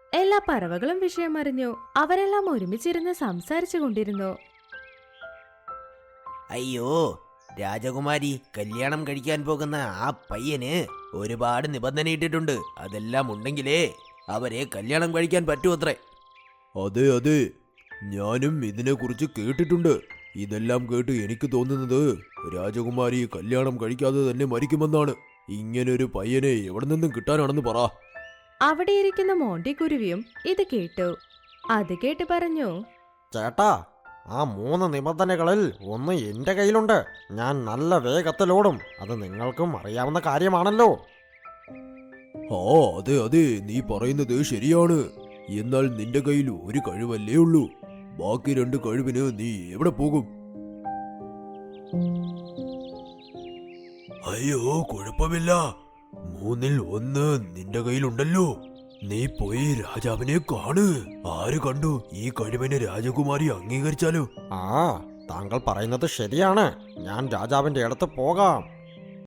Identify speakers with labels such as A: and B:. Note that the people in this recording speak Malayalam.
A: എല്ലാ പറവകളും വിഷയം അറിഞ്ഞു. അവരെല്ലാം ഒരുമിച്ചിരുന്ന് സംസാരിച്ചു കൊണ്ടിരുന്നു.
B: അയ്യോ, രാജകുമാരി കല്യാണം കഴിക്കാൻ പോകുന്ന ആ പയ്യന് ഒരുപാട് നിബന്ധന ഇട്ടിട്ടുണ്ട്. അതെല്ലാം ഉണ്ടെങ്കിലേ അവരെ കല്യാണം കഴിക്കാൻ പറ്റൂത്രേ.
C: അതെ അതെ, ഞാനും ഇതിനെക്കുറിച്ച് കേട്ടിട്ടുണ്ട്. ഇതെല്ലാം കേട്ട് എനിക്ക് തോന്നുന്നത് രാജകുമാരി കല്യാണം കഴിക്കാതെ തന്നെ മരിക്കുമെന്നാണ്. ഇങ്ങനൊരു പയ്യനെ എവിടെ നിന്നും കിട്ടാനാണെന്ന് പറ.
A: അവിടെ ഇരിക്കുന്ന മോണ്ടിക്കുരുവിയും ഇത് കേട്ടു. അത് കേട്ട് പറഞ്ഞു,
D: ചേട്ടാ, ആ 3 നിബന്ധനകളിൽ ഒന്ന് എന്റെ കയ്യിലുണ്ട്. ഞാൻ നല്ല വേഗത്തിലോടും. അത് നിങ്ങൾക്കും അറിയാവുന്ന കാര്യമാണല്ലോ.
C: ആ അതെ അതെ, നീ പറയുന്നത് ശരിയാണ്. എന്നാൽ നിന്റെ കയ്യിൽ ഒരു കഴിവല്ലേ ഉള്ളൂ. ബാക്കി 2 കഴിവിന് നീ എവിടെ പോകും? അയ്യോ, കുഴപ്പമില്ല. 3-ൽ 1 നിന്റെ കയ്യിലുണ്ടല്ലോ. നീ പോയി രാജാവിനെ കാണ്. ആര് കണ്ടു, ഈ കഴിവിനെ രാജകുമാരി അംഗീകരിച്ചാലോ?
D: ആ, താങ്കൾ പറയുന്നത് ശരിയാണ്. ഞാൻ രാജാവിന്റെ അടുത്ത് പോകാം.